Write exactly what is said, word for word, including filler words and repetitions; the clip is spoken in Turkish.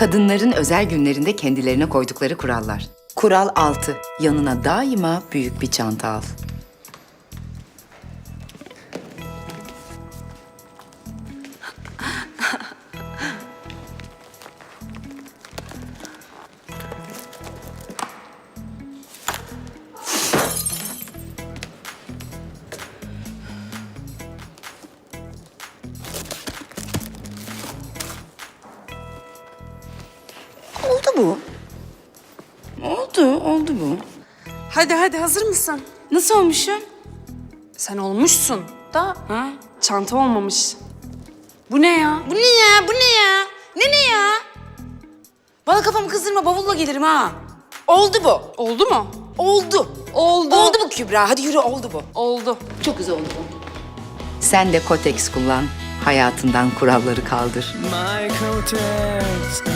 Kadınların özel günlerinde kendilerine koydukları kurallar. Kural altı. Yanına daima büyük bir çanta al. Oldu bu. Oldu, oldu bu. Hadi hadi hazır mısın? Nasıl olmuşum? Sen olmuşsun da Ha? çanta olmamış. Bu ne ya? Bu ne ya? Bu ne ya? Ne ne ya? Bana kafamı kızdırma, bavulla gelirim ha. Oldu bu. Oldu mu? Oldu. Oldu. Oldu bu Kübra. Hadi yürü, oldu bu. Oldu. Çok güzel oldu bu. Sen de Kotex kullan. Hayatından kuralları kaldır. My Kotex.